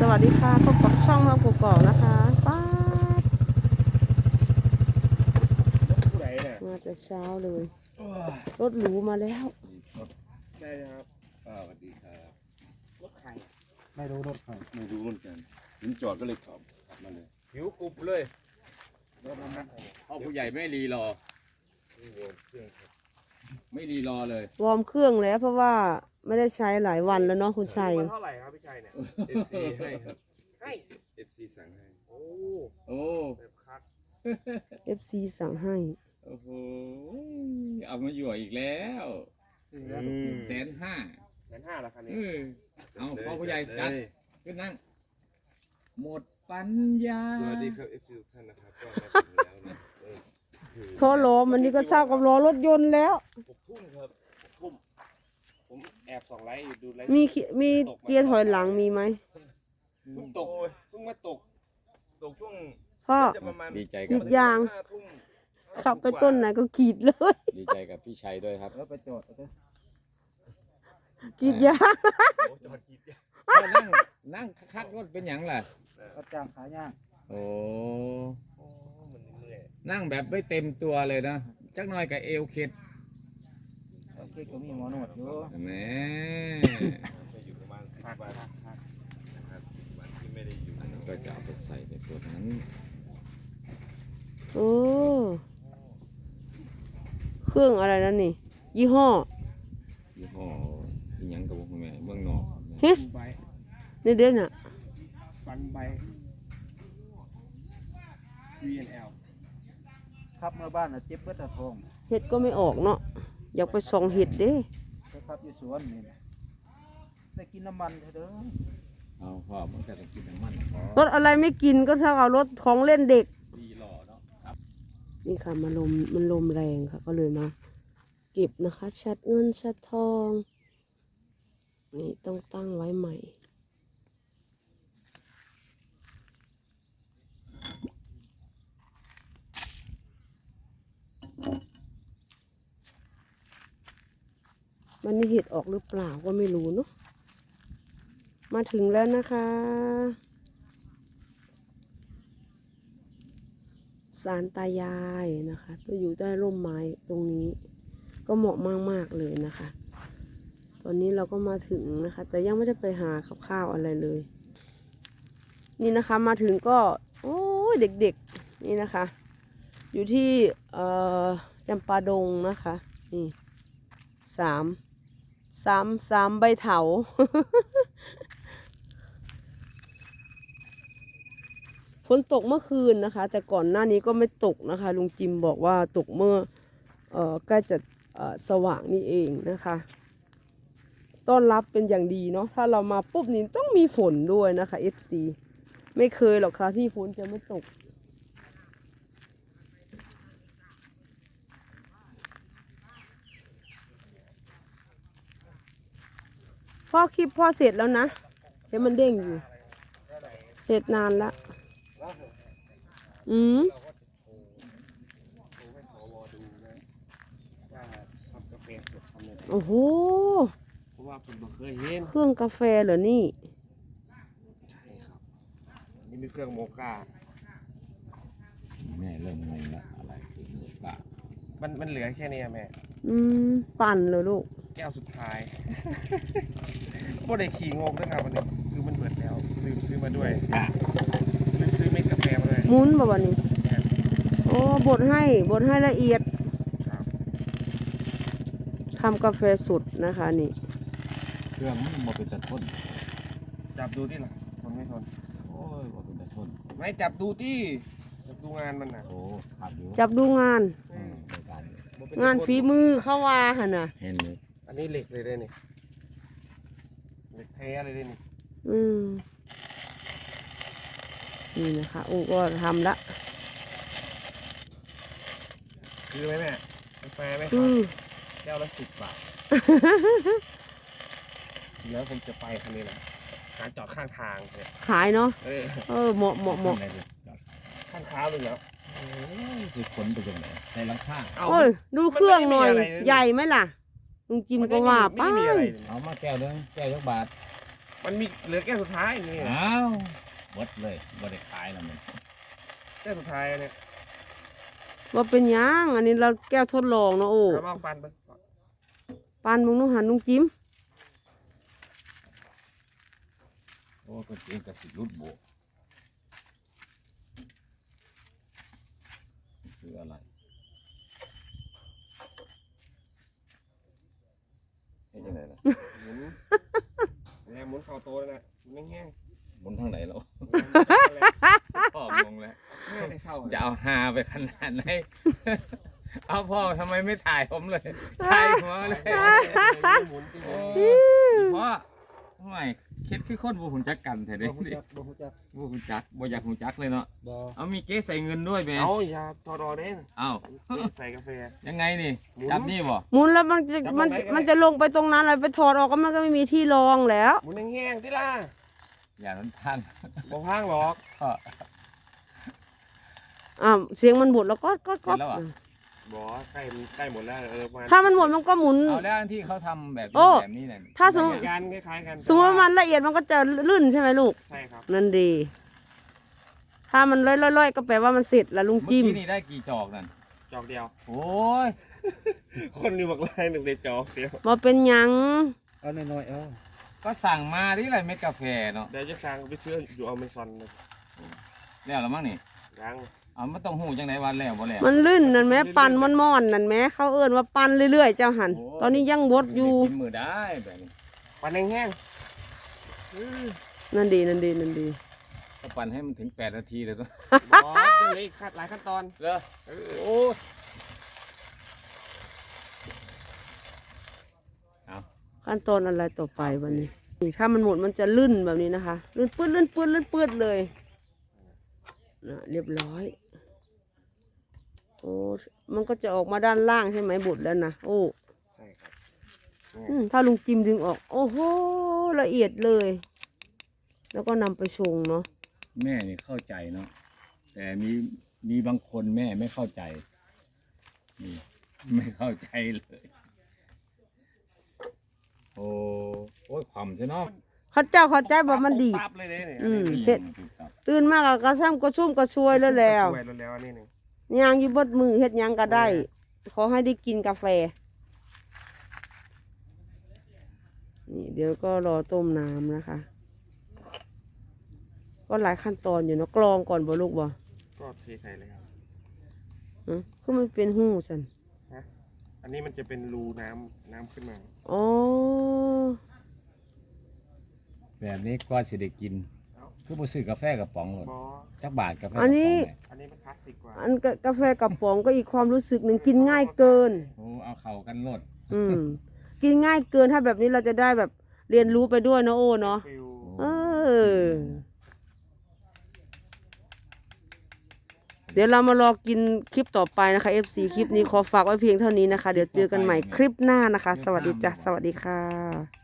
สวัสดีค่ะพบกับช่องเรากกอกนะคะป้าดผู้ใดเนี่ยมาแต่เช้าเลยรถหรูมาแล้วได้ครับสวัสดีครับรถใครไม่รู้รถใครไม่รู้เหมือนกันถึงจอดก็เลยขับมาเลยหิวกรุบเลยพ่อผู้ใหญ่ไม่รีรอ ไม่รีรอเลยวอร์มเครื่องแล้วเพราะว่าไม่ได้ใช้หลายวันแล้วเนาะคุณชัยมันเท่าไหร่ครับพี่ชัยเนี่ย FC ให้ครับให้ FC สั่งให้โอ้โอ้แบบคัก FC สั่งให้โอ้โหเอามาอยู่อีกแล้ว150,000 1,500,000ละคันนี้เอาพ่อผู้ใหญ่จัดขึ้นนั่งหมดปัญญาสวัสดีครับ FC ทุกท่านนะครับก็มาถึงแล้วนะโทรล้อมันนี่ก็เศร้ากับล้อรถยนต์แล้ว 6 ทุ่มครับทุ่มผมแอบส่องไลฟ์อยู่ดูไลฟ์มีเกียร์ถอยหลังมีไหมเพิ่งตกเพิ่งมาตกตกช่วงพ่อจะประมาณดีใจกรีกับดยาง 5 ทุ่มขับไปต้นไหนก็กรีดเลยดีใจกับพี่ชัยด้วยครับแล้วไปจอดกรีดยางโอ้จอดกรีดยางนั่งคักรถเป็นหยังล่ะรับจ้างขายย่างโอ้โอ้มันเหนื่อยนั่งแบบไม่เต็มตัวเลยนะจักหน่อยกับเอวเคล็ดโอเคก็มีหมอนวดอยู่แหมไปอยู่ประมาณ10 วันนะครับ10 วันที่ไม่ได้อยู่อันนั้นก็จะเอาไปใส่ในตัวนั้นโอ้เครื่องอะไรนั่นนี่ ยี่ห้อยี่ห้ออีหยังกับพวกแม่เมืองนอกเฮสใบเด่นๆน่ะฟันใบ VNL ขับเมื่อบ้านน่ะเจ็บเบิดตะทองเห็ดก็ไม่ออกเนาะอยากไปส่องเห็ดเด้ไปขับอยู่สวนนี่นะได้กินน้ำมันเถอะเด้อเอาพ่อมันก็ต้องกินน้ำมันพอรถอะไรไม่กินก็เท่ากับรถของเล่นเด็ก 4 ล้อเนาะครับนี่ค่ะมันลมแรงค่ะ ก็เลยมาเก็บนะคะชัดเงินชัดทอง นี่ต้องตั้งไว้ใหม่ มันนี่เห็ดออกหรือเปล่าก็ไม่รู้เนาะมาถึงแล้วนะคะศาลตายายนะคะก็อยู่ใต้ร่มไม้ตรงนี้ ก็เหมาะมากๆเลยนะคะ ตอนนี้เราก็มาถึงนะคะ แต่ยังไม่ได้ไปหาข้าวอะไรเลย นี่นะคะมาถึงก็โอ้ยเด็กๆนี่นะคะ อยู่ที่จำปาดงนะคะนี่สามใบเถา ฝนตกเมื่อคืนนะคะ แต่ก่อนหน้านี้ก็ไม่ตกนะคะลุงจิมบอกว่าตกเมื่อใกล้จะสว่างนี่เองนะคะต้อนรับเป็นอย่างดีเนาะถ้าเรามาปุ๊บนี่ต้องมีฝนด้วยนะคะ FC ไม่เคยหรอกค่ะที่ฝนจะไม่ตกพ่อคลิปพ่อเสร็จแล้วนะเดี๋ยวมันเด้งอยู่เสร็จนานละเราก็จะโชว์ให้สวดูนะว่าทำกาแฟสดทำยังไงโอ้โหเพราะว่าผมบ่เคยเห็นเครื่องกาแฟเหรอนี่ใช่ครับนี่มีเครื่องโมกาแม่เริ่มงงละอะไรคือหมูกะมันเหลือแค่นี้อะแม่อืมปั่นเลยลูกแก้วสุดท้าย บ่ได้ขี่งงด้วยครับวันนี้ซื้อมันเบิดแล้วลืมซื้อมาด้วยลืมซื้อเม็ดกาแฟมาด้วยมุ้นบ่วันนี้โอ้บดให้ละเอียดครับทำกาแฟสดนะคะนี่เครื่องมันบ่เป็นตะทนจับดูที่หลังทนไม่ทนโอ้ยบ่เป็นตะทนไม่จับดูที่จับดูงานมันนะโอ้ขับอยู่จับดูงานในการบ่เป็งานฝีมือเข้าว่าหั่นน่ะเห็นเลยอันนี้เหล็กเลยได้นี่เหล็กแท้เลยได้นี่อืมนี่นะคะโอ้ก็ทำละคือไหมแม่กาแฟไหมคอืรับมแก้วละ10 บาท เดี๋ยวผมจะไปคันนี้แหละหาจอดข้างทางเนี่ยขายเนาะ เหมาะอะไรเลยจอดข้างเท้าเลยแล้วโอ้ยคือขนไปตรงไหนในหลังคาเอาโอ้ยดูเครื่องหน่อยมันไม่มีอะไรเลยใหญ่ไหมล่ะลุงจิมก็ว่าไปไม่มีอะไรเลยเอามาแก้วนึงแก้วยักบาทมันมีเหลือแก้วสุดท้ายนี่อ้าวหมดเลยบ่ได้ขายแล้วมันแก้วสุดท้ายเนี่ยว่าเป็นหยังอันนี้เราแก้วทดลองเนาะโอ้แล้วลองปันไปปานมึงนุ่งหันนุ่งจิ้มโอ้ก็เองก็สิรุดโบกคืออะไรนี่จังไดล่ะหมุนแล้วหมุนเข่าโตแล้วนะหมุนแห้งบนทางไหนแล้วๆพ่อมงแล้วแห้งได้เศร้าจะเอาฮาไปขนาดไหน เอาพ่อทำไมไม่ถ่ายผมเลยถ่ายหัวเลยหมุนที่หโอ้มุนพ่อทำไมคิดคือคนบูหุ่นจักกันแท้เด้บ่ฮู้จักบ่ฮู้จักบูหุ่นจักบ่อยากหุ่นจักเลยเนาะบ่เอามีเก๊ใส่เงินด้วยไหมเอาอย่าทอดอเด้งเอ้าใส่กาแฟยังไงนี่หมุนจับนี่บ่หมุนแล้วมันจะจับมันลงไปก็ได้มันจะลงไปตรงนั้นเลยไปถอดออกก็มันก็ไม่มีที่รองแล้วหมุนแห้งๆที่ล่ะอย่ามันพังบ่พังหรอกพ่อเสียงมันหมดแล้วก็เสร็จแล้วเหรอบ่ใกล้หมดแล้วมาถ้ามันหมดมันก็หมุนเอาแล้วอันที่เขาทำแบบโอ้นี้แบบนี้เนี่ยถ้าสมมุติกันคล้ายๆกันสมมติว่ามันละเอียดมันก็จะลื่นใช่ไหมลูกใช่ครับนั่นดี ถ้ามันล่อยๆก็แปลว่ามันเสร็จแล้วลุงเมื่อจิ้มกี้นี่ได้กี่จอกนั่นจอกเดียวโอ้ยคนนี้บอกไล่หนึ่งในจอกเดียวมาเป็นหยังเอาน้อยๆเอาก็สั่งมาที่ไรเม็ดกาแฟเนาะเดี๋ยวจะสั่งไปซื้ออยู่เอาเมซอนเลยแล้วละมั้งนี่ยังเอามันต้องหูจังไหนวันแล้วบ่แล้วมันลื่นนั่นแหมปั่นมันม่อนนั่นแหมเขาเอิ้นว่าปั่นเรื่อยๆเจ้าหันโอ้ตอนนี้ยังบดอยู่กินมือได้แบบนี้ปันแห้งๆนั่นดีนั่นดีนั่นดีก็ปั่นให้มันถึง8 นาทีเลยต้องบอสยังเหลืออีกหลายขั้นตอนเหรอเออโอ้ยเอาขั้นตอนอะไรต่อไปวันนี้นี่ถ้ามันหมดมันจะลื่นแบบนี้นะคะลื่นปื้ดลื่นปื้ดลื่นปื้ดเลยนะเรียบร้อยโอ้มันก็จะออกมาด้านล่างใช่ไหมบดแล้วนะโอ้ใช่ครับถ้าลุงจิมดึงออก โอ้โหละเอียดเลย แล้วก็นำไปชงเนาะแม่นี่เข้าใจเนาะแต่มีบางคนแม่ไม่เข้าใจนี่ไม่เข้าใจเลย โอ้ยความใช่เนาะเขาเจ้าเข้าใจบอกมันดีดปั๊บเลยเนี่ยอืม เสร็จ ตื่นมากกระซ้ำกระซุ่มกระซวยแล้วแล้วสวยแล้วอันนี้หนึ่งย่างอยู่บดมือเฮ็ดหยังก็ได้ ขอให้ได้กินกาแฟ นี่เดี๋ยวก็รอต้มน้ำนะคะ ก็หลายขั้นตอนอยู่เนาะกรองก่อนบ่ลูกบ่ก็เทใส่เลยครับคือมันเป็นหูสันอันนี้มันจะเป็นรูน้ำขึ้นมาอ๋อแบบนี้ก็สิได้กิน คือบ่ซื้อกาแฟกระป๋องหรอกบอสจักบาทกาแฟกระป๋อัอน งนี้เนี่ยอันนี้มันคลาสสิกกว่าอันกาแฟกระป๋องก็อีกความรู้สึกหนึ่งกินง่ายเกินโอ้เอาเข่ากันโลดกินง่ายเกินถ้าแบบนี้เราจะได้แบบเรียนรู้ไปด้วยเนาะโอ้เนาะฟิลเออ เดี๋ยวเรามารอกินคลิปต่อไปนะคะ FC คลิปนี้ขอฝากไว้เพียงเท่านี้นะคะ เดี๋ยวเจอกันใหม่คลิปหน้านะคะ สวัสดีจ้ะ สวัสดีค่ะ